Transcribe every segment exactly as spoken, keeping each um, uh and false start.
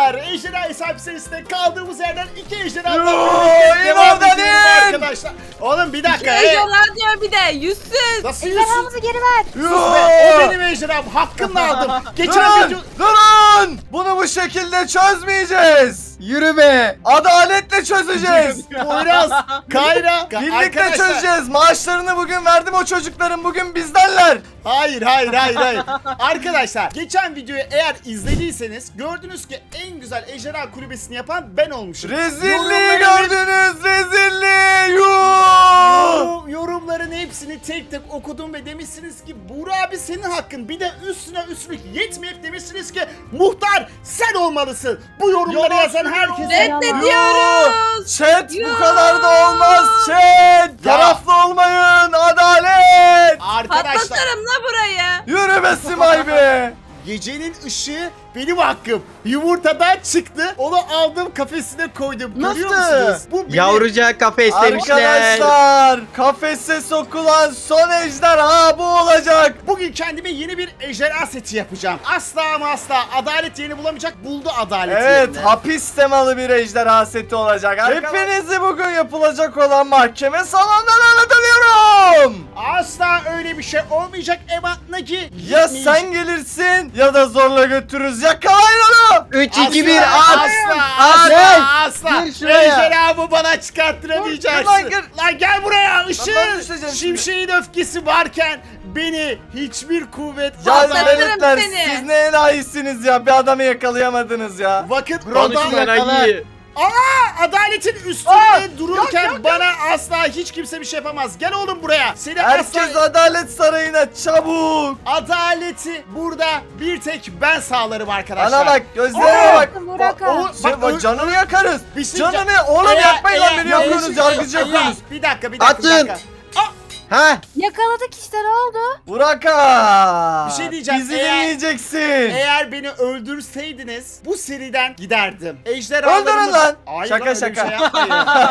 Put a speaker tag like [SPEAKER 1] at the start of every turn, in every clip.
[SPEAKER 1] arkadaşlar. Ejderha hesap serisinde kaldığımız yerden iki ejderha
[SPEAKER 2] Yoo,
[SPEAKER 1] devam
[SPEAKER 2] İmam
[SPEAKER 1] ediyoruz
[SPEAKER 2] Daniel!
[SPEAKER 1] arkadaşlar. Oğlum bir dakika.
[SPEAKER 3] Şey
[SPEAKER 1] Hey.
[SPEAKER 3] diyorlar diyor bir de yüzsüz.
[SPEAKER 1] Nasıl yüzsüz?
[SPEAKER 4] Ejderhamızı geri ver.
[SPEAKER 1] Sus be, o benim ejderham. Hakkımla aldım. Geçen video...
[SPEAKER 2] Durun! Durun! Bunu bu şekilde çözmeyeceğiz. Yürü be. Adaletle çözeceğiz.
[SPEAKER 1] Poyraz, Kayra.
[SPEAKER 2] Birlikte
[SPEAKER 1] Arkadaşlar-
[SPEAKER 2] çözeceğiz. Maaşlarını bugün verdim o çocukların. Bugün bizdenler.
[SPEAKER 1] Hayır hayır hayır hayır. Arkadaşlar geçen videoyu eğer izlediyseniz gördünüz ki en güzel ejderha kulübesini yapan ben olmuşum.
[SPEAKER 2] Rezilliği
[SPEAKER 1] Yorumların-
[SPEAKER 2] gördünüz. Rezilliği. Yuh!
[SPEAKER 1] Yorum- yorumların hepsini tek tek okudum ve demişsiniz ki Buğra abi senin hakkın. Bir de üstüne üstlük yetmeyip demişsiniz ki muhtar sen olmalısın. Bu yorumları yazan herkese.
[SPEAKER 3] Reddediyoruz.
[SPEAKER 2] Chat bu
[SPEAKER 3] Yuh!
[SPEAKER 2] kadar da olmaz. Chat. Taraflı olmayın. Adalet.
[SPEAKER 1] Arkadaşlar
[SPEAKER 3] Patlatırım la burayı.
[SPEAKER 2] Yürü be Simay be.
[SPEAKER 1] gecenin ışığı benim hakkım. Yumurtadan çıktı. Onu aldım kafesine koydum. Görüyor
[SPEAKER 2] Nasıl?
[SPEAKER 1] musunuz? Bu benim.
[SPEAKER 5] Yavrucak kafeslemişler.
[SPEAKER 2] Arkadaşlar kafese sokulan son ejderha bu olacak.
[SPEAKER 1] Bugün kendime yeni bir ejderha seti yapacağım. Asla ama asla adalet yerini bulamayacak, buldu adalet
[SPEAKER 2] Evet
[SPEAKER 1] yerini.
[SPEAKER 2] hapis temalı bir ejderha seti olacak. Hepinizi bugün yapılacak olan mahkeme salonundan anlatıyorum.
[SPEAKER 1] Asla öyle bir şey olmayacak Ema Nagi.
[SPEAKER 2] Ya sen gelirsin ya da zorla götürürüz. Yakalayın onu.
[SPEAKER 5] üç iki bir
[SPEAKER 1] Asla,
[SPEAKER 5] at.
[SPEAKER 1] asla,
[SPEAKER 5] At.
[SPEAKER 1] asla, asla.
[SPEAKER 5] Gir şuraya.
[SPEAKER 1] Ejderhamı bana çıkarttıramayacaksın.
[SPEAKER 2] Dur, lan gir.
[SPEAKER 1] Lan gel buraya.
[SPEAKER 2] Lan ben
[SPEAKER 1] Işığın,
[SPEAKER 2] düşeceğim şimdi.
[SPEAKER 1] şimşeğin öfkesi varken beni hiçbir kuvvet
[SPEAKER 2] Ya
[SPEAKER 3] Patlatırım
[SPEAKER 2] veletler
[SPEAKER 3] seni.
[SPEAKER 2] siz ne enayisiniz ya. Bir adamı yakalayamadınız ya.
[SPEAKER 1] vakit
[SPEAKER 5] Konuşma
[SPEAKER 1] adam
[SPEAKER 5] Nagi.
[SPEAKER 1] adaletin üstünde dururken bana asla hiç kimse bir şey yapamaz. Gel oğlum buraya. Seni
[SPEAKER 2] Herkes
[SPEAKER 1] asla
[SPEAKER 2] adalet sarayına çabuk.
[SPEAKER 1] adaleti burada bir tek ben sağlarım arkadaşlar.
[SPEAKER 2] Bana bak gözlerime bak.
[SPEAKER 4] Burak
[SPEAKER 1] O- o-
[SPEAKER 4] abi.
[SPEAKER 2] Şey,
[SPEAKER 1] bak,
[SPEAKER 2] bak
[SPEAKER 1] ö-
[SPEAKER 2] canını yakarız.
[SPEAKER 1] Bir şey
[SPEAKER 2] Canını
[SPEAKER 1] diyeceğim.
[SPEAKER 2] oğlum
[SPEAKER 1] Eğer-
[SPEAKER 2] yakmayın lan
[SPEAKER 1] eğer-
[SPEAKER 2] beni yakıyorsunuz
[SPEAKER 1] eğer-
[SPEAKER 2] yargıcı
[SPEAKER 1] eğer-
[SPEAKER 2] yapıyorsunuz.
[SPEAKER 1] Bir dakika bir dakika bir
[SPEAKER 5] Atın.
[SPEAKER 1] dakika. Aa,
[SPEAKER 5] Ha?
[SPEAKER 4] Yakaladık işte ne oldu?
[SPEAKER 2] Buraka.
[SPEAKER 1] Bir şey diyeceğim,
[SPEAKER 2] Bizi
[SPEAKER 1] eğer-
[SPEAKER 2] dinleyeceksin.
[SPEAKER 1] Eğer beni öldürseydiniz bu seriden giderdim. Ejderhalarımız...
[SPEAKER 2] Öldürün lan.
[SPEAKER 1] Hayır
[SPEAKER 2] Şaka,
[SPEAKER 1] lan, öyle bir
[SPEAKER 2] şaka.
[SPEAKER 1] şey yapmayın.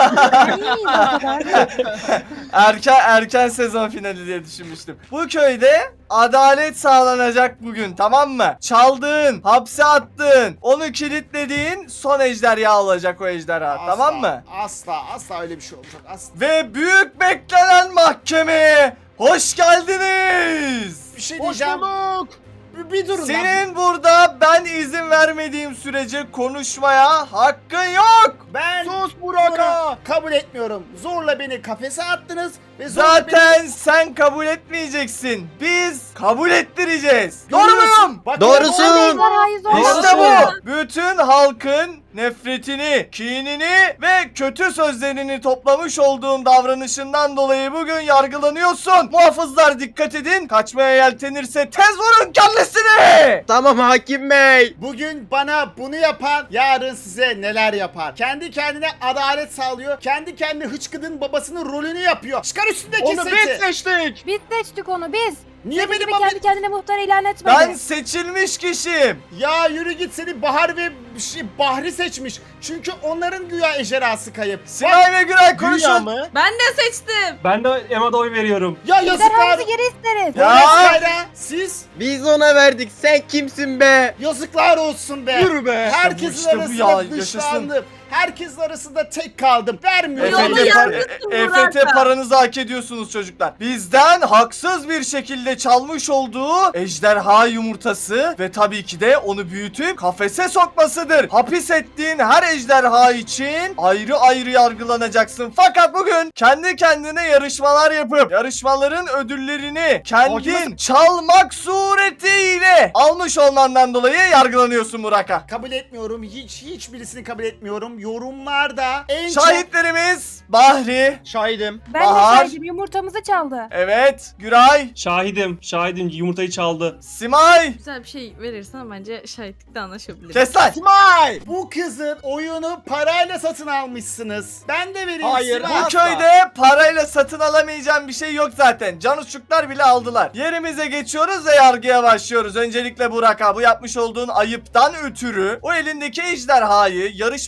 [SPEAKER 4] İyiyiz o kadar.
[SPEAKER 2] Erken erken sezon finali diye düşünmüştüm. Bu köyde adalet sağlanacak bugün, tamam mı? Çaldığın, hapse attığın, onu kilitlediğin son ejderha olacak o ejderha,
[SPEAKER 1] Asla,
[SPEAKER 2] tamam mı?
[SPEAKER 1] Asla asla öyle bir şey olmayacak. Asla.
[SPEAKER 2] Ve büyük beklenen mahkemeye hoş geldiniz.
[SPEAKER 1] Bir şey diyeceğim. Bir, bir durun lan.
[SPEAKER 2] Senin burada ben izin vermediğim sürece konuşmaya hakkın yok.
[SPEAKER 1] Ben
[SPEAKER 5] Sus
[SPEAKER 1] bunu
[SPEAKER 5] Burak'a.
[SPEAKER 1] kabul etmiyorum. Zorla beni kafese attınız ve zorla
[SPEAKER 2] Zaten sen kabul etmeyeceksin. Biz kabul ettireceğiz.
[SPEAKER 1] beni...
[SPEAKER 2] Doğru muyum?
[SPEAKER 1] Bak,
[SPEAKER 5] Doğrusun.
[SPEAKER 4] Ejderhayı zorla.
[SPEAKER 2] İşte
[SPEAKER 5] Doğrusu.
[SPEAKER 2] bu. Bütün halkın nefretini, kinini ve kötü sözlerini toplamış olduğun davranışından dolayı bugün yargılanıyorsun. Muhafızlar dikkat edin. Kaçmaya yeltenirse tez vurun kendisini.
[SPEAKER 5] Tamam hakim bey.
[SPEAKER 1] Bugün bana bunu yapan yarın size neler yapar? Kendi kendine adalet sağlıyor. Kendi kendine hıçkıdın babasının rolünü yapıyor. Çıkar üstündeki
[SPEAKER 5] Onu
[SPEAKER 1] seti.
[SPEAKER 5] biz seçtik.
[SPEAKER 4] Biz seçtik onu biz.
[SPEAKER 1] Niye
[SPEAKER 4] Senin
[SPEAKER 1] benim
[SPEAKER 4] gibi
[SPEAKER 1] abi-
[SPEAKER 4] kendi kendine muhtar ilan etmedi.
[SPEAKER 2] Ben seçilmiş kişiyim.
[SPEAKER 1] Ya yürü git, seni Bahar ve şey, Bahri seçmiş. Çünkü onların güya ejderhası kayıp. Bak,
[SPEAKER 2] Sinay ve Güray
[SPEAKER 5] Dünya
[SPEAKER 2] konuşun.
[SPEAKER 5] mı?
[SPEAKER 3] Ben de seçtim.
[SPEAKER 6] Ben de Ema'da oy veriyorum.
[SPEAKER 1] ya yazıklar.
[SPEAKER 4] Ejderhamızı geri isteriz.
[SPEAKER 2] Ya.
[SPEAKER 1] Polis Kayra, siz
[SPEAKER 5] Biz ona verdik. Sen kimsin be?
[SPEAKER 1] yazıklar olsun be.
[SPEAKER 5] Yürü be.
[SPEAKER 1] Herkesin
[SPEAKER 2] İşte bu, işte bu
[SPEAKER 1] arasında
[SPEAKER 2] ya, yaşasın.
[SPEAKER 1] dışlandım. Herkesin arasında tek kaldım. Vermiyorum.
[SPEAKER 3] Yolda
[SPEAKER 2] E F T, par-
[SPEAKER 3] yalnızsın
[SPEAKER 2] E F T
[SPEAKER 3] Burak'a.
[SPEAKER 2] paranızı hak ediyorsunuz çocuklar. Bizden haksız bir şekilde çalmış olduğu ejderha yumurtası ve tabii ki de onu büyütüp kafese sokmasıdır. Hapis ettiğin her ejderha için ayrı ayrı yargılanacaksın. Fakat bugün kendi kendine yarışmalar yapıp yarışmaların ödüllerini kendin çalmak suretiyle almış olmandan dolayı yargılanıyorsun Burak'a.
[SPEAKER 1] Kabul etmiyorum. Hiç hiçbirisini kabul etmiyorum. Yorumlarda en çok
[SPEAKER 2] Şahitlerimiz Bahri,
[SPEAKER 5] Şahidim.
[SPEAKER 4] Ben
[SPEAKER 2] Bahar.
[SPEAKER 4] de saydım yumurtamızı çaldı.
[SPEAKER 2] evet, Güray,
[SPEAKER 6] Şahidim, şahidim yumurtayı çaldı.
[SPEAKER 2] Simay.
[SPEAKER 3] Güzel bir şey verirsen bence şahitlikte anlaşabiliriz.
[SPEAKER 2] Kes lan.
[SPEAKER 5] Simay.
[SPEAKER 1] bu kızın oyunu parayla satın almışsınız. Ben de vereyim
[SPEAKER 5] Hayır,
[SPEAKER 1] size.
[SPEAKER 2] Bu
[SPEAKER 5] asla.
[SPEAKER 2] köyde parayla satın alamayacağım bir şey yok zaten. Canuççuklar bile aldılar. Yerimize geçiyoruz ve yargıya başlıyoruz. Öncelikle Burak'a bu yapmış olduğun ayıptan ötürü o elindeki ejderhayı yarışmanın kazananı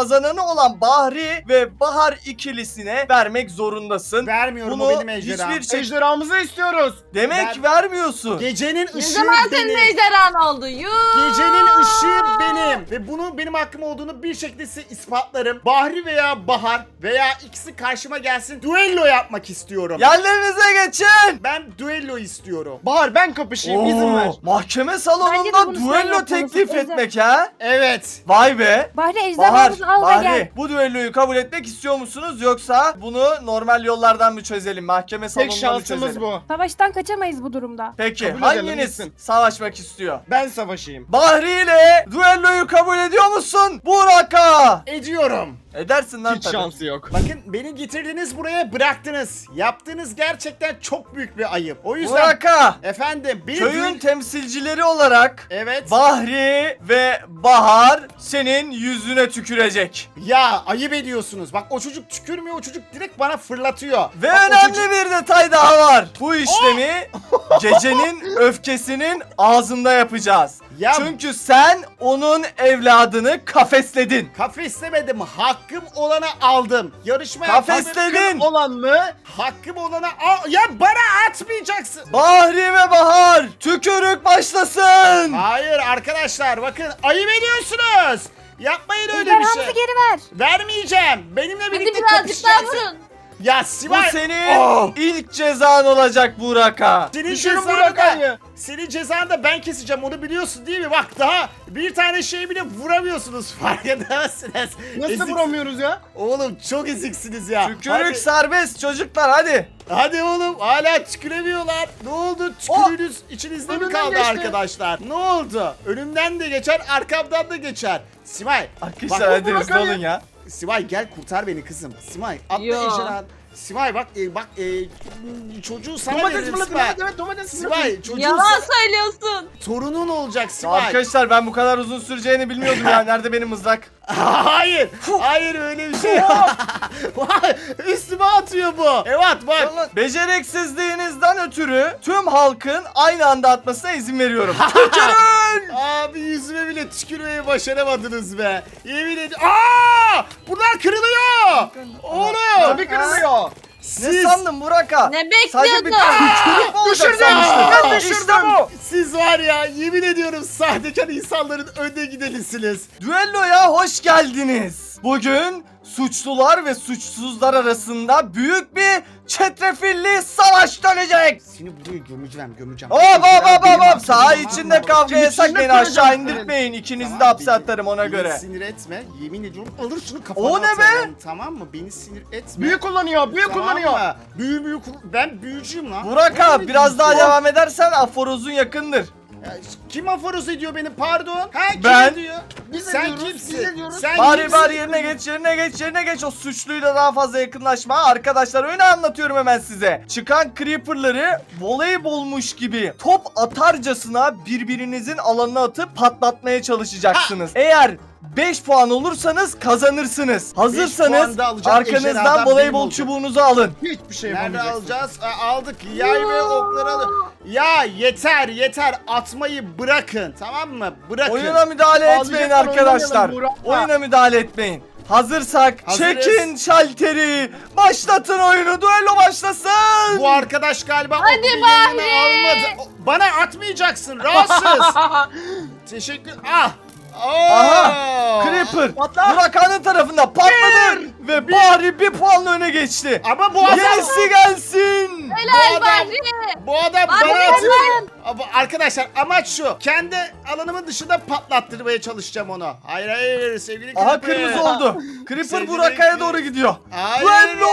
[SPEAKER 2] kazananı olan Bahri ve Bahar ikilisine vermek zorundasın.
[SPEAKER 1] Vermiyorum,
[SPEAKER 2] Bunu
[SPEAKER 1] o benim ejderham.
[SPEAKER 2] hiçbir şey...
[SPEAKER 5] Ejderhamızı istiyoruz.
[SPEAKER 2] Demek
[SPEAKER 1] Ver-
[SPEAKER 2] vermiyorsun.
[SPEAKER 1] Gecenin
[SPEAKER 3] Ne
[SPEAKER 1] ışığı
[SPEAKER 3] zaman senin
[SPEAKER 1] benim.
[SPEAKER 3] ejderhan oldu? Yuh.
[SPEAKER 1] Gecenin ışığı benim. Ve bunun benim hakkım olduğunu bir şekilde size ispatlarım. Bahri veya Bahar veya ikisi karşıma gelsin. Duello yapmak istiyorum.
[SPEAKER 2] Yerlerinize geçin.
[SPEAKER 1] Ben duello istiyorum.
[SPEAKER 5] Bahar ben kapışayım izin ver.
[SPEAKER 2] Oo, mahkeme
[SPEAKER 4] Bence de
[SPEAKER 2] salonunda
[SPEAKER 4] bunu sen
[SPEAKER 2] duello
[SPEAKER 4] yapmalısın,
[SPEAKER 2] teklif
[SPEAKER 4] Ejder.
[SPEAKER 2] etmek ha?
[SPEAKER 1] Evet.
[SPEAKER 2] Vay be.
[SPEAKER 4] Bahri
[SPEAKER 2] Bahar,
[SPEAKER 4] ejderhamızı al da gel.
[SPEAKER 2] Bahri bu düelloyu kabul etmek istiyor musunuz yoksa bunu normal yollardan mı çözelim? Mahkeme
[SPEAKER 5] Tek
[SPEAKER 2] salonunda mı
[SPEAKER 5] şansımız
[SPEAKER 2] çözelim?
[SPEAKER 5] bu.
[SPEAKER 4] Savaştan kaçamayız bu durumda.
[SPEAKER 2] Peki
[SPEAKER 5] Kabul edelim,
[SPEAKER 2] hanginiz
[SPEAKER 5] gitsin.
[SPEAKER 2] savaşmak istiyor?
[SPEAKER 5] Ben savaşayım.
[SPEAKER 2] Bahri ile düelloyu kabul ediyor musun? Buraka.
[SPEAKER 1] Ediyorum.
[SPEAKER 2] Edersin lan
[SPEAKER 5] Hiç
[SPEAKER 2] tabii.
[SPEAKER 5] şansı yok.
[SPEAKER 1] Bakın beni getirdiniz buraya, bıraktınız. Yaptığınız gerçekten çok büyük bir ayıp. O yüzden
[SPEAKER 2] Buraka.
[SPEAKER 1] efendim beni
[SPEAKER 2] Köyün
[SPEAKER 1] duel-
[SPEAKER 2] temsilcileri olarak
[SPEAKER 1] Evet.
[SPEAKER 2] Bahri ve Bahar senin yüzüne tükürecek.
[SPEAKER 1] Ya ayıp ediyorsunuz. Bak o çocuk tükürmüyor, o çocuk direkt bana fırlatıyor.
[SPEAKER 2] Ve
[SPEAKER 1] Bak, o
[SPEAKER 2] önemli
[SPEAKER 1] çocuk-
[SPEAKER 2] bir detay daha var. Bu işlemi gecenin öfkesinin ağzında yapacağız.
[SPEAKER 1] Ya
[SPEAKER 2] Çünkü sen onun evladını kafesledin.
[SPEAKER 1] kafeslemedim. Hakkım olanı aldım. Yarışmaya
[SPEAKER 2] Kafesledin.
[SPEAKER 5] Olan mı?
[SPEAKER 1] Hakkım olanı al. Ya bana atmayacaksın.
[SPEAKER 2] Bahri ve Bahar tükürük başlasın.
[SPEAKER 1] Hayır arkadaşlar, bakın ayıp ediyorsunuz. Yapmayın öyle bir
[SPEAKER 4] Ejderhamızı
[SPEAKER 1] şey.
[SPEAKER 4] geri ver.
[SPEAKER 1] Vermeyeceğim. Benimle
[SPEAKER 3] Hadi
[SPEAKER 1] birlikte
[SPEAKER 3] birazcık daha
[SPEAKER 1] kapışacaksın.
[SPEAKER 3] vurun.
[SPEAKER 1] Ya
[SPEAKER 2] Bu
[SPEAKER 1] Sivay.
[SPEAKER 2] senin
[SPEAKER 1] Oh!
[SPEAKER 2] ilk cezan olacak Buraka.
[SPEAKER 1] Senin
[SPEAKER 5] Düşürün
[SPEAKER 1] cezanı da,
[SPEAKER 5] Burak'ı.
[SPEAKER 1] senin cezanı da ben keseceğim, onu biliyorsun değil mi? Bak daha bir tane şey bile vuramıyorsunuz, farkında mısınız?
[SPEAKER 5] Nasıl
[SPEAKER 1] Ezik-
[SPEAKER 5] vuramıyoruz ya?
[SPEAKER 1] Oğlum çok eziksiniz ya.
[SPEAKER 2] Tükürük
[SPEAKER 1] Hadi,
[SPEAKER 2] serbest çocuklar hadi.
[SPEAKER 1] hadi oğlum, hala tüküremiyorlar. Ne oldu? Tükürüğünüz içinizde mi
[SPEAKER 5] önümden
[SPEAKER 1] kaldı
[SPEAKER 5] geçti.
[SPEAKER 1] arkadaşlar? Ne oldu? Önümden de geçer, arkamdan da geçer. Simay.
[SPEAKER 2] Arkadaşlar
[SPEAKER 1] bak-
[SPEAKER 2] hadi hızlı olun ya.
[SPEAKER 1] Simay gel kurtar beni kızım. Simay atla
[SPEAKER 3] Yo.
[SPEAKER 1] ejderhan. Simay bak e, bak e, çocuğu sana
[SPEAKER 5] Domates
[SPEAKER 1] veririm
[SPEAKER 5] fırlatın,
[SPEAKER 1] Simay.
[SPEAKER 5] evet evet domates fırlatın.
[SPEAKER 1] Simay çocuğu
[SPEAKER 3] Yalan
[SPEAKER 1] sana-
[SPEAKER 3] söylüyorsun.
[SPEAKER 1] torunun olacak
[SPEAKER 2] Ya
[SPEAKER 1] Simay.
[SPEAKER 2] arkadaşlar ben bu kadar uzun süreceğini bilmiyordum ya. Nerede benim mızrak?
[SPEAKER 1] Hayır. Hayır öyle bir şey yok. Vay, üstüme atıyor bu. Evet bak.
[SPEAKER 2] Beceriksizliğinizden ötürü tüm halkın aynı anda atmasına izin veriyorum. Tükürün!
[SPEAKER 1] Abi yüzüme bile tükürmeyi başaramadınız be. Yemin ediyorum. Aa! Bunlar kırılıyor. Oğlum.
[SPEAKER 5] Tabii kırılıyor.
[SPEAKER 2] Ne
[SPEAKER 1] Siz,
[SPEAKER 2] sandın Buraka?
[SPEAKER 3] Ne
[SPEAKER 2] Sadece bir
[SPEAKER 3] bekliyordun?
[SPEAKER 2] tükürük mü olacak
[SPEAKER 5] düşürdüm.
[SPEAKER 2] sanmıştın?
[SPEAKER 5] Ben
[SPEAKER 2] İşte
[SPEAKER 5] düşürdüm.
[SPEAKER 2] bu.
[SPEAKER 1] siz var ya, yemin ediyorum sahtekar insanların önde gidelisiniz.
[SPEAKER 2] Düelloya hoş geldiniz. Bugün suçlular ve suçsuzlar arasında büyük bir çetrefilli savaş dönecek.
[SPEAKER 1] Seni buraya gömeceğim, gömeceğim.
[SPEAKER 2] Hop hop hop
[SPEAKER 1] Benim
[SPEAKER 2] hop hop.
[SPEAKER 1] hakkım,
[SPEAKER 2] Saha
[SPEAKER 1] tamam
[SPEAKER 2] içinde
[SPEAKER 1] mı?
[SPEAKER 2] kavga
[SPEAKER 5] İçinde
[SPEAKER 2] yasak, beni
[SPEAKER 5] kıracağım
[SPEAKER 2] aşağı
[SPEAKER 5] seni.
[SPEAKER 2] indirtmeyin. İkinizi
[SPEAKER 1] Tamam,
[SPEAKER 2] de hapse
[SPEAKER 1] beni-
[SPEAKER 2] atarım ona
[SPEAKER 1] beni
[SPEAKER 2] göre.
[SPEAKER 1] sinir etme. Yemin ediyorum alır şunu kafana
[SPEAKER 2] O ne be?
[SPEAKER 1] atarım, tamam mı? Beni sinir etme.
[SPEAKER 5] Büyü kullanıyor, büyü
[SPEAKER 1] Tamam
[SPEAKER 5] kullanıyor.
[SPEAKER 1] mı? Büyü büyü kul- ben büyücüyüm lan.
[SPEAKER 2] Buraka
[SPEAKER 1] Ne
[SPEAKER 2] biraz daha
[SPEAKER 1] büyücüsü?
[SPEAKER 2] devam edersen aforozun yakındır.
[SPEAKER 1] Ya, kim aforoz ediyor beni, pardon? Ha kim
[SPEAKER 2] Ben.
[SPEAKER 1] ediyor?
[SPEAKER 5] Biz
[SPEAKER 1] Sen
[SPEAKER 5] ediyoruz,
[SPEAKER 1] kimsin?
[SPEAKER 5] biz ediyoruz.
[SPEAKER 1] Sen
[SPEAKER 2] Bari
[SPEAKER 1] kimsin?
[SPEAKER 2] bari yerine geç yerine geç yerine geç, o suçluyla daha fazla yakınlaşma. Arkadaşlar öyle anlatıyorum hemen size. Çıkan creeperları voleybolmuş gibi top atarcasına birbirinizin alanına atıp patlatmaya çalışacaksınız. Eğer beş puan olursanız kazanırsınız.
[SPEAKER 1] puan
[SPEAKER 2] Hazırsanız
[SPEAKER 1] da alacağım, ejderhadan
[SPEAKER 2] arkanızdan
[SPEAKER 1] benim
[SPEAKER 2] voleybol
[SPEAKER 1] olacak.
[SPEAKER 2] çubuğunuzu alın.
[SPEAKER 5] Hiçbir şey
[SPEAKER 1] Nerede
[SPEAKER 5] yapamayacaksın.
[SPEAKER 1] alacağız? Aa, aldık. Yay ve okları al. Ya yeter yeter, atmayı bırakın, tamam mı? Bırakın.
[SPEAKER 2] Oyuna müdahale etmeyin
[SPEAKER 5] Ağlayacaklar,
[SPEAKER 2] arkadaşlar.
[SPEAKER 5] oynamayalım Burak.
[SPEAKER 2] Oyuna müdahale etmeyin. Hazırsak
[SPEAKER 1] Hazırız.
[SPEAKER 2] çekin şalteri. Başlatın oyunu. Düello başlasın.
[SPEAKER 1] Bu arkadaş galiba
[SPEAKER 3] Hadi
[SPEAKER 1] okulu yerine
[SPEAKER 3] Bahri.
[SPEAKER 1] almadı. O- Bana atmayacaksın, rahatsız. Teşekkür. Ah. Oo.
[SPEAKER 2] Aha, Creeper
[SPEAKER 5] Patla.
[SPEAKER 2] Burakhan'ın tarafında patladı ve Bahri bir puanla öne geçti.
[SPEAKER 1] Ama bu adam,
[SPEAKER 2] Gerisi gelsin.
[SPEAKER 1] bu
[SPEAKER 3] Helal
[SPEAKER 1] adam,
[SPEAKER 3] Bahri.
[SPEAKER 1] bu adam
[SPEAKER 3] Bahri,
[SPEAKER 1] bana
[SPEAKER 3] helal.
[SPEAKER 1] atıyor. Ama arkadaşlar amaç şu. Kendi alanımın dışında patlattırmaya çalışacağım onu. Hayır hayır sevgili
[SPEAKER 2] Aha
[SPEAKER 1] Creeper.
[SPEAKER 2] kırmızı oldu. Creeper
[SPEAKER 1] Sevgili
[SPEAKER 2] Burakha'ya
[SPEAKER 1] Creeper.
[SPEAKER 2] doğru gidiyor.
[SPEAKER 1] Hayır.
[SPEAKER 2] Duello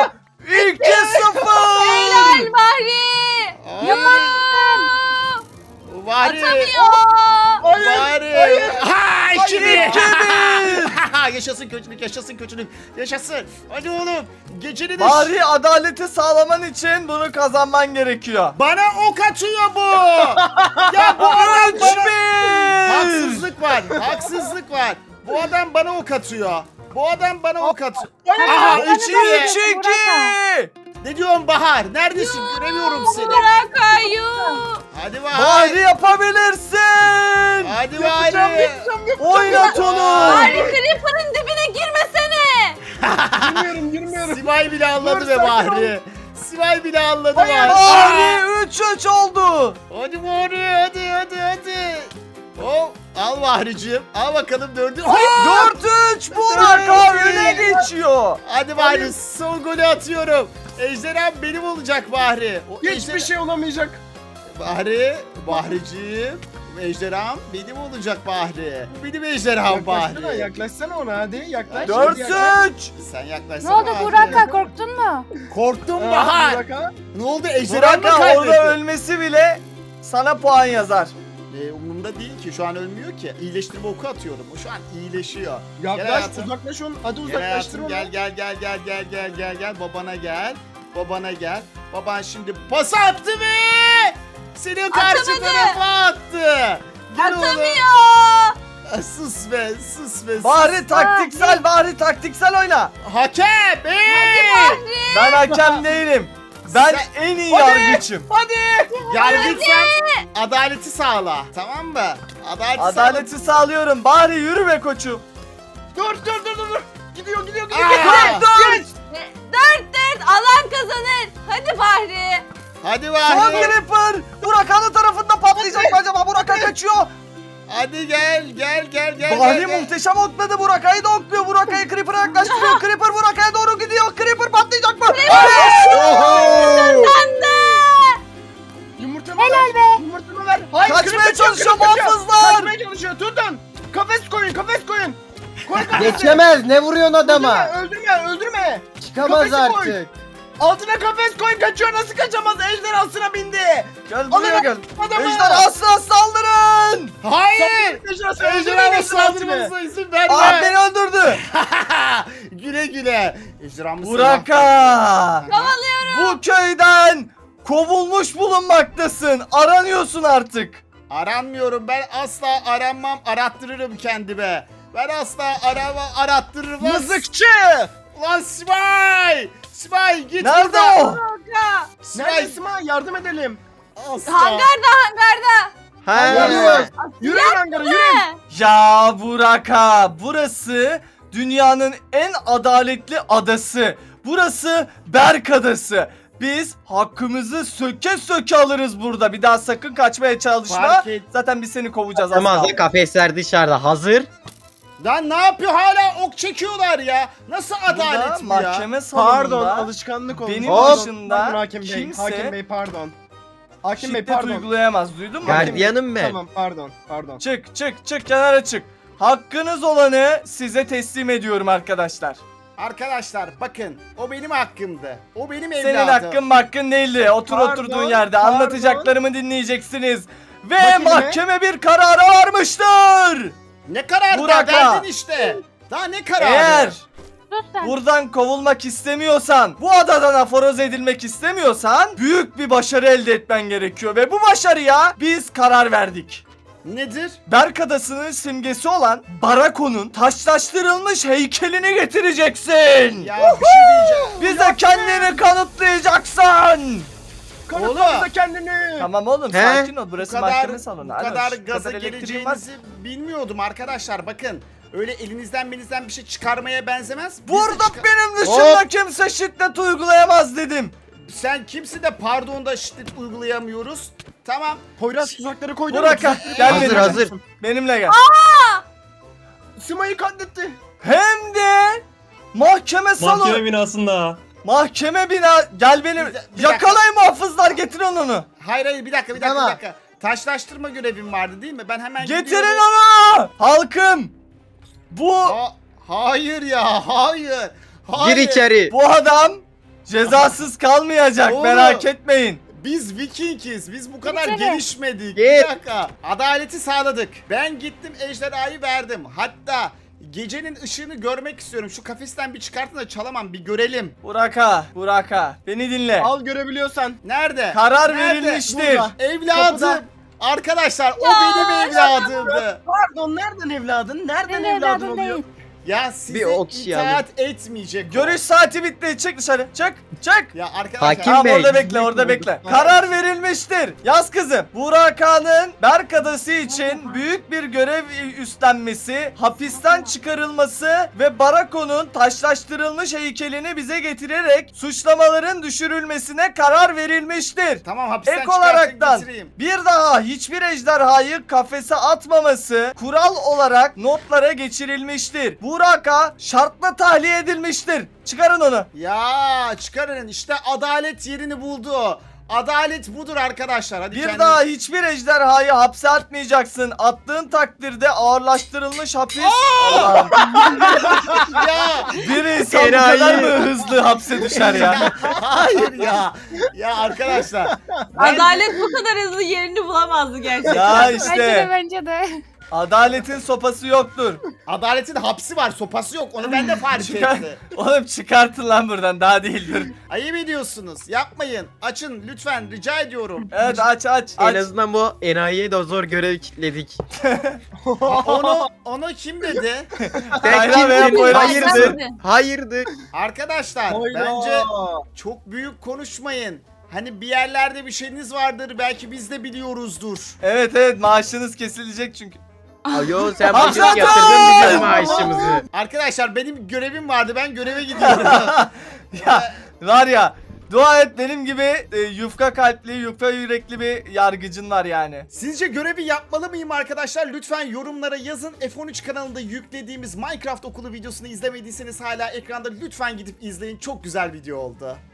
[SPEAKER 2] iki sıfır.
[SPEAKER 3] Helal Bahri.
[SPEAKER 1] Aa, Bari.
[SPEAKER 3] Atamıyor.
[SPEAKER 1] Bari. Ha iki bir.
[SPEAKER 2] iki bir.
[SPEAKER 1] Yaşasın kötülük, yaşasın kötülük. Yaşasın. Hadi oğlum. Gecenin de
[SPEAKER 2] Bahri adaleti sağlaman için bunu kazanman gerekiyor.
[SPEAKER 1] bana ok atıyor bu. Ya bu adam
[SPEAKER 2] Üç
[SPEAKER 1] bana...
[SPEAKER 2] bir.
[SPEAKER 1] Haksızlık var. Haksızlık var. Bu adam bana ok atıyor. Bu adam bana ok atıyor. Aha
[SPEAKER 4] Hadi
[SPEAKER 1] üç
[SPEAKER 4] Bahri.
[SPEAKER 1] iki.
[SPEAKER 2] üç iki.
[SPEAKER 1] Ne diyorsun Bahar? Neredesin? Göremiyorum seni.
[SPEAKER 3] Bırak ayu.
[SPEAKER 1] Hadi Bahar.
[SPEAKER 2] Bahri yapabilirsin.
[SPEAKER 1] Hadi
[SPEAKER 5] Yapacağım,
[SPEAKER 1] Bahar.
[SPEAKER 5] yapacağım, yapacağım.
[SPEAKER 2] Oynat onu.
[SPEAKER 3] Bahri Creeper'ın dibine girme
[SPEAKER 5] Yürümüyorum yürümüyorum.
[SPEAKER 1] Sibel bile anladı
[SPEAKER 5] Dur,
[SPEAKER 1] be
[SPEAKER 5] sakin
[SPEAKER 1] Bahri. Sibel bile anladı
[SPEAKER 5] Hayır,
[SPEAKER 1] Bahri.
[SPEAKER 2] Bahri üç üç oldu.
[SPEAKER 1] Hadi Bahri hadi hadi hadi. Oh, al Bahri'cim. Al bakalım dördü. Hayır.
[SPEAKER 2] dört üç Burak'a öne geçiyor.
[SPEAKER 1] Hadi Bahri son golü atıyorum. Ejderham benim olacak Bahri. O
[SPEAKER 5] Hiçbir
[SPEAKER 1] ejderha-
[SPEAKER 5] şey olamayacak.
[SPEAKER 1] Bahri, Bahriciğim. Ejderham benim olacak Bahri. Bu benim ejderham
[SPEAKER 5] Yaklaşsana,
[SPEAKER 1] Bahri.
[SPEAKER 5] yaklaşsana ona hadi yaklaş.
[SPEAKER 2] dört
[SPEAKER 5] hadi yaklaş.
[SPEAKER 2] üç.
[SPEAKER 1] Sen
[SPEAKER 4] Ne
[SPEAKER 1] yaklaşsana
[SPEAKER 4] oldu
[SPEAKER 1] Bahri.
[SPEAKER 4] Burak'a, korktun mu?
[SPEAKER 1] Korktum
[SPEAKER 5] Aa,
[SPEAKER 1] Bahar.
[SPEAKER 5] Burak'a.
[SPEAKER 1] Ne oldu ejderham mı
[SPEAKER 2] Burak'a orada
[SPEAKER 1] kaybetti?
[SPEAKER 2] ölmesi bile sana puan yazar.
[SPEAKER 1] Ee, umurumda değil ki şu an ölmüyor ki. İyileştirme oku atıyorum. O şu an iyileşiyor. Gel
[SPEAKER 5] Yaklaş
[SPEAKER 1] hayatım.
[SPEAKER 5] uzaklaş onu. Hadi
[SPEAKER 1] Gel
[SPEAKER 5] uzaklaştır
[SPEAKER 1] hayatım
[SPEAKER 5] onu.
[SPEAKER 1] gel gel gel gel gel gel gel gel babana gel. Babana gel. Baban şimdi pas attı ve seni karşı
[SPEAKER 3] Atamadı.
[SPEAKER 1] tarafa attı. Gel oğlum.
[SPEAKER 3] Atamıyor.
[SPEAKER 1] Ah, Sus be sus be. sus.
[SPEAKER 2] Bahri taktiksel, Bahri taktiksel oyna.
[SPEAKER 1] Hakem. Hey!
[SPEAKER 3] Bahri.
[SPEAKER 2] Ben hakem değilim. Ben
[SPEAKER 1] Sen-
[SPEAKER 2] en iyi
[SPEAKER 5] Hadi.
[SPEAKER 2] yargıçım.
[SPEAKER 5] Hadi.
[SPEAKER 1] Yargıçsan adaleti sağla. Tamam mı? Adaleti
[SPEAKER 2] Adaleti sağlıyorum. Bahri yürü be koçum.
[SPEAKER 5] Dur dur dur dur. dur. Gidiyor gidiyor gidiyor.
[SPEAKER 1] Aa!
[SPEAKER 2] Dört.
[SPEAKER 3] Dört dört alan kazanır. Hadi Bahri.
[SPEAKER 1] Hadi
[SPEAKER 2] Son
[SPEAKER 1] Bahri.
[SPEAKER 2] Creeper. Burak'ın tarafında patlayacak mı acaba? Burak'a kaçıyor.
[SPEAKER 1] Hadi gel gel gel gel.
[SPEAKER 2] Bahri
[SPEAKER 1] gel, gel.
[SPEAKER 2] muhteşem okladı. Burak'ı da okluyor. Burak'ı Creeper'a yaklaştırıyor. Creeper Burak'a doğru gidiyor. Creeper patlayacak mı?
[SPEAKER 1] Oho!
[SPEAKER 5] Yumurtamı
[SPEAKER 4] Helal
[SPEAKER 5] ver.
[SPEAKER 4] be.
[SPEAKER 5] Yumurtamı ver. Hayır,
[SPEAKER 2] Kaçmaya
[SPEAKER 5] kırık kaçıyor,
[SPEAKER 2] çalışıyor
[SPEAKER 5] kırık kaçıyor.
[SPEAKER 2] muhafızlar.
[SPEAKER 5] Kaçmaya çalışıyor. Tutun. Kafes koyun kafes koyun. Koy kafesi.
[SPEAKER 7] Geçemez. Ne vuruyorsun adama?
[SPEAKER 5] Öldürme öldürme öldürme.
[SPEAKER 7] Çıkamaz
[SPEAKER 5] Kafesi koy.
[SPEAKER 7] artık.
[SPEAKER 5] Altına kafes koyun kaçıyor. Nasıl kaçamaz? Ejderhasına bindi.
[SPEAKER 2] Gel buraya
[SPEAKER 5] Alın
[SPEAKER 2] gel.
[SPEAKER 5] adamı.
[SPEAKER 2] Ejderhasına saldırın.
[SPEAKER 1] Hayır.
[SPEAKER 5] Ejderhasına
[SPEAKER 1] Ejderhama
[SPEAKER 5] ejderhasına
[SPEAKER 1] saldırmanıza izin verme.
[SPEAKER 2] Ah beni öldürdü.
[SPEAKER 1] güle güle. Ejderhamı
[SPEAKER 2] Burak'a.
[SPEAKER 3] Kovalıyorum.
[SPEAKER 2] Bu köyden kovulmuş bulunmaktasın. Aranıyorsun artık.
[SPEAKER 1] Aranmıyorum. Ben asla aranmam. Arattırırım kendime. Ben asla arama arattırırım. Lan-
[SPEAKER 5] Mızıkçı.
[SPEAKER 1] Lan Sibel. Sibel git
[SPEAKER 2] Nerede
[SPEAKER 1] buradan.
[SPEAKER 2] o?
[SPEAKER 3] Burak'a.
[SPEAKER 1] Sibel.
[SPEAKER 5] Neredesin ha? Yardım edelim.
[SPEAKER 1] Asla.
[SPEAKER 3] Hangarda hangarda.
[SPEAKER 7] He.
[SPEAKER 5] Yürüyün hangara yürüyün.
[SPEAKER 2] Ya Burak'a, burası dünyanın en adaletli adası. Burası Berk Adası. Biz hakkımızı söke söke alırız burada. Bir daha sakın kaçmaya çalışma.
[SPEAKER 1] Fark et.
[SPEAKER 2] Zaten biz seni kovacağız az
[SPEAKER 7] Tamam
[SPEAKER 2] kaldı.
[SPEAKER 7] da kafesler dışarıda hazır.
[SPEAKER 1] Lan ne yapıyor hala ok çekiyorlar ya. Nasıl
[SPEAKER 2] Burada
[SPEAKER 1] adalet bu ya?
[SPEAKER 2] mahkeme salonunda
[SPEAKER 5] Pardon alışkanlık oldu.
[SPEAKER 2] benim
[SPEAKER 7] Hop.
[SPEAKER 2] dışında
[SPEAKER 5] Pardon Hakim Bey.
[SPEAKER 2] kimse
[SPEAKER 5] Hakim Bey pardon. Hakim Bey
[SPEAKER 2] şiddet
[SPEAKER 5] pardon.
[SPEAKER 2] uygulayamaz. Duydun mu?
[SPEAKER 7] Gardiyanım ben.
[SPEAKER 5] Tamam pardon pardon.
[SPEAKER 2] Çık çık çık kenara çık. Hakkınız olanı size teslim ediyorum arkadaşlar.
[SPEAKER 1] Arkadaşlar bakın o benim hakkımdı. O benim evladım.
[SPEAKER 2] Senin hakkın hakkın değildi. Otur
[SPEAKER 5] Pardon,
[SPEAKER 2] oturduğun yerde
[SPEAKER 5] pardon.
[SPEAKER 2] anlatacaklarımı dinleyeceksiniz. Ve
[SPEAKER 5] Bak elime.
[SPEAKER 2] mahkeme bir karara varmıştır.
[SPEAKER 1] Ne karar
[SPEAKER 2] Burak'a.
[SPEAKER 1] verdin işte. Daha ne kararı?
[SPEAKER 2] Eğer
[SPEAKER 4] Sus sen.
[SPEAKER 2] buradan kovulmak istemiyorsan, bu adadan aforoz edilmek istemiyorsan büyük bir başarı elde etmen gerekiyor. Ve bu başarıya biz karar verdik.
[SPEAKER 1] Nedir?
[SPEAKER 2] Berk Adası'nın simgesi olan Barako'nun taşlaştırılmış heykelini getireceksin.
[SPEAKER 1] Ya bir şey diyeceğim.
[SPEAKER 2] Bize kendini kanıtlayacaksın.
[SPEAKER 5] Kanıtla kendini.
[SPEAKER 2] Tamam oğlum
[SPEAKER 7] He?
[SPEAKER 2] sakin ol.
[SPEAKER 1] Bu
[SPEAKER 2] Burası
[SPEAKER 1] kadar,
[SPEAKER 2] mahkeme salonu.
[SPEAKER 1] bu
[SPEAKER 2] Alo,
[SPEAKER 1] kadar
[SPEAKER 2] şu
[SPEAKER 1] gaza
[SPEAKER 2] kadar elektriğin
[SPEAKER 1] geleceğinizi bilmiyordum arkadaşlar. Bakın öyle elinizden belinizden bir şey çıkarmaya benzemez. Biz de
[SPEAKER 2] Burada
[SPEAKER 1] çıkar-
[SPEAKER 2] benim dışında kimse şiddet uygulayamaz dedim.
[SPEAKER 1] Sen kimsin de pardon da şiddet uygulayamıyoruz. Tamam.
[SPEAKER 5] Poyraz tuzakları koydun mu?
[SPEAKER 2] Burak'a gel
[SPEAKER 7] Hazır,
[SPEAKER 2] benimle.
[SPEAKER 7] hazır.
[SPEAKER 2] Benimle gel.
[SPEAKER 5] Sima'yı katletti.
[SPEAKER 2] Hem de mahkeme salonu.
[SPEAKER 6] Mahkeme binasında.
[SPEAKER 2] Mahkeme bina. Gel benim.
[SPEAKER 1] Bir de- bir dakika.
[SPEAKER 2] Yakalayın muhafızlar getirin onu.
[SPEAKER 1] Hayır hayır bir dakika bir dakika
[SPEAKER 7] Tamam.
[SPEAKER 1] bir dakika. Taşlaştırma görevim vardı değil mi? Ben hemen
[SPEAKER 2] Getirin
[SPEAKER 1] gidiyorum.
[SPEAKER 2] onu. Halkım. Bu
[SPEAKER 1] Ha- hayır ya hayır. Hayır.
[SPEAKER 7] Gir içeri.
[SPEAKER 2] bu adam cezasız kalmayacak.
[SPEAKER 1] Oğlum.
[SPEAKER 2] Merak etmeyin.
[SPEAKER 1] Biz Vikingiz. Biz bu kadar
[SPEAKER 4] Gitsene.
[SPEAKER 1] gelişmedik.
[SPEAKER 7] Git.
[SPEAKER 1] Bir dakika. Adaleti sağladık. Ben gittim ejderhayı verdim. Hatta gecenin ışığını görmek istiyorum. Şu kafesten bir çıkartın da çalamam bir görelim.
[SPEAKER 2] Burak'a, Burak'a beni dinle.
[SPEAKER 5] Al görebiliyorsan.
[SPEAKER 1] Nerede?
[SPEAKER 2] Karar
[SPEAKER 1] Nerede?
[SPEAKER 2] verilmiştir.
[SPEAKER 1] Burada. Evladım.
[SPEAKER 5] Kapıda.
[SPEAKER 1] Arkadaşlar o benim evladımdı.
[SPEAKER 5] Pardon nereden evladın? Nereden
[SPEAKER 4] Senin
[SPEAKER 5] evladın
[SPEAKER 4] evladın
[SPEAKER 5] oluyor?
[SPEAKER 4] değil.
[SPEAKER 1] Ya size
[SPEAKER 7] Bir o kişiyi
[SPEAKER 1] itaat etmeyecek o.
[SPEAKER 2] Görüş saati bitti. Çık dışarı. Çık. Çık.
[SPEAKER 1] Ya arkadaşlar.
[SPEAKER 7] Hakim
[SPEAKER 2] Tamam
[SPEAKER 7] Bey.
[SPEAKER 2] orada bekle orada bekle. Karar verilmiştir. Yaz kızım. Burak Ağa'nın Berk Adası için büyük bir görev üstlenmesi, hapisten çıkarılması ve Barako'nun taşlaştırılmış heykelini bize getirerek suçlamaların düşürülmesine karar verilmiştir.
[SPEAKER 1] Tamam hapisten
[SPEAKER 2] Ek
[SPEAKER 1] çıkartın
[SPEAKER 2] olaraktan
[SPEAKER 1] getireyim.
[SPEAKER 2] bir daha hiçbir ejderhayı kafese atmaması kural olarak notlara geçirilmiştir. Burak Ağa şartla tahliye edilmiştir. Çıkarın onu.
[SPEAKER 1] Ya çıkarın işte adalet yerini buldu. Adalet budur arkadaşlar. Hadi
[SPEAKER 2] Bir
[SPEAKER 1] kendiniz-
[SPEAKER 2] daha hiçbir ejderhayı hapse atmayacaksın. Attığın takdirde ağırlaştırılmış hapis. Allah'ım.
[SPEAKER 1] ya.
[SPEAKER 2] Bir insan bu
[SPEAKER 7] Enayi.
[SPEAKER 2] kadar mı hızlı hapse düşer ya?
[SPEAKER 1] Hayır ya. Ya arkadaşlar. ben-
[SPEAKER 3] Adalet bu kadar hızlı yerini bulamazdı gerçekten.
[SPEAKER 2] Ya
[SPEAKER 4] Bence de
[SPEAKER 2] işte
[SPEAKER 4] bence de.
[SPEAKER 2] adaletin sopası yoktur.
[SPEAKER 1] Adaletin hapsi var, sopası yok. Onu ben de fark
[SPEAKER 2] Çıkar.
[SPEAKER 1] ettim.
[SPEAKER 2] Oğlum çıkartın lan buradan, daha değildir.
[SPEAKER 1] Ayıp ediyorsunuz. Yapmayın. Açın lütfen, rica ediyorum.
[SPEAKER 2] Evet aç aç
[SPEAKER 7] En
[SPEAKER 2] aç.
[SPEAKER 7] azından bu enayiye de zor görev kitledik.
[SPEAKER 1] Ha, onu onu kim dedi?
[SPEAKER 2] Hayran veya
[SPEAKER 7] kimsin?
[SPEAKER 2] boyran
[SPEAKER 7] Hayırdır?
[SPEAKER 3] kimdi?
[SPEAKER 7] Hayırdır?
[SPEAKER 1] Arkadaşlar bence çok büyük konuşmayın. Hani bir yerlerde bir şeyiniz vardır. Belki biz de biliyoruzdur.
[SPEAKER 2] Evet evet, maaşınız kesilecek çünkü.
[SPEAKER 7] Ayo sen
[SPEAKER 2] Hamza
[SPEAKER 7] bugün yatırdın
[SPEAKER 2] Bey!
[SPEAKER 7] bizim maaşımızı.
[SPEAKER 1] Arkadaşlar benim görevim vardı. Ben göreve gidiyorum.
[SPEAKER 2] Ya var ya, dua et benim gibi e, yufka kalpli, yufka yürekli bir yargıcın var yani.
[SPEAKER 1] Sizce görevi yapmalı mıyım arkadaşlar? Lütfen yorumlara yazın. F on üç kanalında yüklediğimiz Minecraft okulu videosunu izlemediyseniz hala ekranda, lütfen gidip izleyin. Çok güzel video oldu.